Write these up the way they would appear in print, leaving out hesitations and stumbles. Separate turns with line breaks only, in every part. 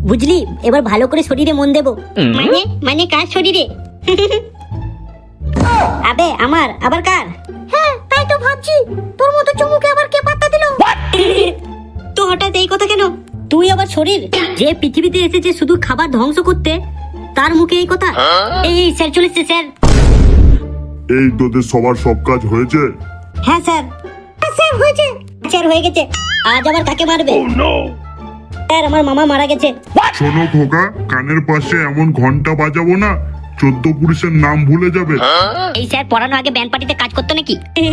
বুঝলি, এবার ভালো করে শরীরে মন দেবো।
মানে মানে কার শরীরে?
আবে আমার, আবার কার?
হ্যাঁ তাই তো ভাবছি, তোর মতো চুমুকে আবার কে পাত্তা দিল?
তো হঠাৎ এই কথা কেন? তুই আবার শরীর, যে পৃথিবীতে এসেছে শুধু খাবার ধ্বংস করতে, তার মুখে এই কথা? এই স্যার চলেছে স্যার।
এই তোদের সবার সব কাজ হয়েছে?
হ্যাঁ স্যার।
স্যার হয়েছে।
স্যার হয়ে গেছে। আজ আবার কাকে মারবে? স্যার আমার মামা মারা গেছে।
শোনো খোকা, কানের পাশে এমন ঘন্টা বাজাবো না 14 পুরুষের নাম ভুলে যাবে।
এই স্যার পড়ানো আগে ব্যান্ড পার্টিতে কাজ করতো নাকি?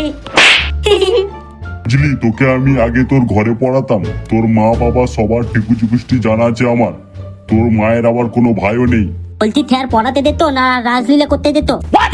বুঝলি, তোকে আমি আগে তোর ঘরে পড়াতাম, তোর মা বাবা সবার ঠিকুচুকুষ্টি জানা আছে আমার। তোর মায়ের আবার কোনো ভাইও নেই।
বলছি স্যার পড়াতে দিত না রাজলীলা করতে দিত?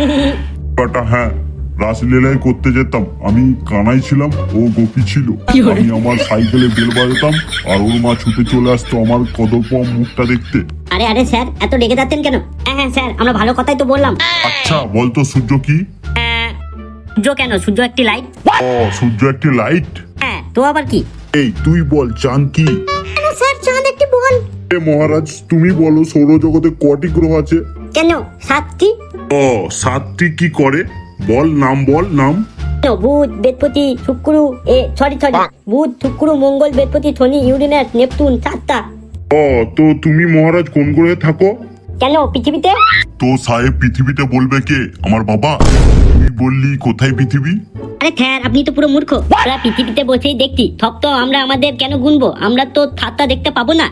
হ্যাঁ, রাসলীলাই করতে যেতাম। আমি কানাই ছিলাম, ও গোপী ছিল। আমি আমার সাইকেলে বেল বাজাতাম আর ওর মা ছুটে চলে আসতো আমার কদর্প মুখটা দেখতে।
আরে আরে স্যার, এত রেগে যাচ্ছেন কেন? হ্যাঁ স্যার, আমরা ভালো কথাই তো বললাম।
আচ্ছা বলতো, সূর্য কি?
সূর্য কেন? সূর্য একটি লাইট।
ও, সূর্য একটি লাইট?
হ্যাঁ, তো আবার কি?
এই তুই বল, চাঁদ কি?
স্যার চাঁদ একটি বল।
মহারাজ তুমি বলো, সৌরজগতে কটি গ্রহ আছে?
কেন 7টি?
ও, 7টি কি করে? বল নাম, বল নাম।
বুধ, বৃহস্পতি, শুক্র, সরি বুধ, শুক্র, মঙ্গল, বৃহস্পতি, শনি, ইউরেনাস, নেপচুন, 7টা।
ও, তো তুমি মহারাজ কোন গ্রহে থাকো?
কেন পৃথিবীতে?
তো সাহেব পৃথিবীতে বলবে কে? আমার বাবা। তুই বললি কোথায় পৃথিবী?
আরে স্যার আপনি তো পুরো মূর্খ। আমরা পৃথিবীতে বসেই দেখছি, সব তো আমরা আমাদের কেন গুনবো? আমরা তো 7টা দেখতে পাবো না।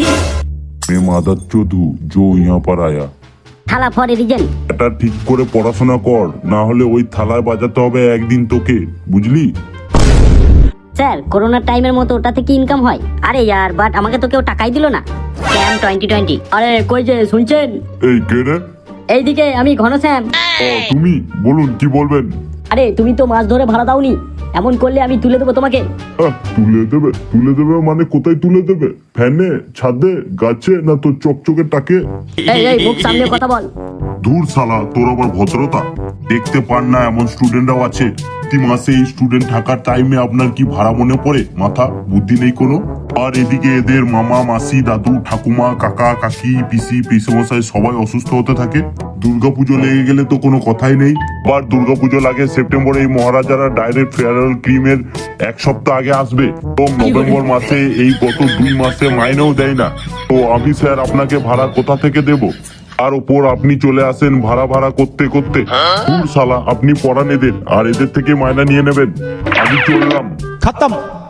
মে মাদার চোদু জো ইয়া পার আয়া।
থালা ফর রিজন।
এটা ঠিক করে পড়াশোনা কর, না হলে ওই থালায় বাজাতে হবে একদিন তোকে, বুঝলি?
স্যার করোনার টাইমের মতো ওটাতে কি ইনকাম হয়? আরে यार, বাট আমাকে তো কেউ টাকাই দিল না। স্যাম 2020। আরে কই যে শুনছেন?
এই কে রে?
এইদিকে আমি ঘনশ্যাম।
ও তুমি, বলুন কি বলবেন?
আরে তুমি তো মাছ ধরে ভাড়া দাওনি, এমন করলে আমি তুলে দেবো তোমাকে।
তুলে দেবে? তুলে দেবে মানে কোথায় তুলে দেবে? ফ্যানে, ছাদে, গাছে, না তোর চকচকে টাকে?
এই মুখ সামনে কথা বল।
দূর শালা, তোর আবার ভদ্রতা দেখতে পান না? এমন স্টুডেন্টরাও আছে। প্রতি মাসে এই স্টুডেন্ট থাকার টাইমে আপনার কি ভাড়া মনে পড়ে? মাথা বুদ্ধি নেই কোনো? আর এদিকে এদের মামা মাসি দাদু ঠাকুমা কাকা কাকি পিসি পিসমশাই সবাই অসুস্থ হতে থাকে। দুর্গাপুজো লেগে গেলে তো কোনো কথাই নেই। আবার দুর্গাপুজো লাগে সেপ্টেম্বরে। এই মহারাজারা ডাইরেক্ট ফেয়ারওয়েল ক্রিমের 1 সপ্তাহ আগে আসবে এবং নভেম্বর মাসে এই গত 2 মাসে মাইনেও দেয় না। তো আমি স্যার আপনাকে ভাড়া কোথা থেকে দেব? আর ওপর আপনি চলে আসেন ভাড়া করতে করতে। দূর শালা, আপনি পড়ান এদের আর এদের থেকে মাইনা নিয়ে নেবেন। আমি চললাম।
खत्म।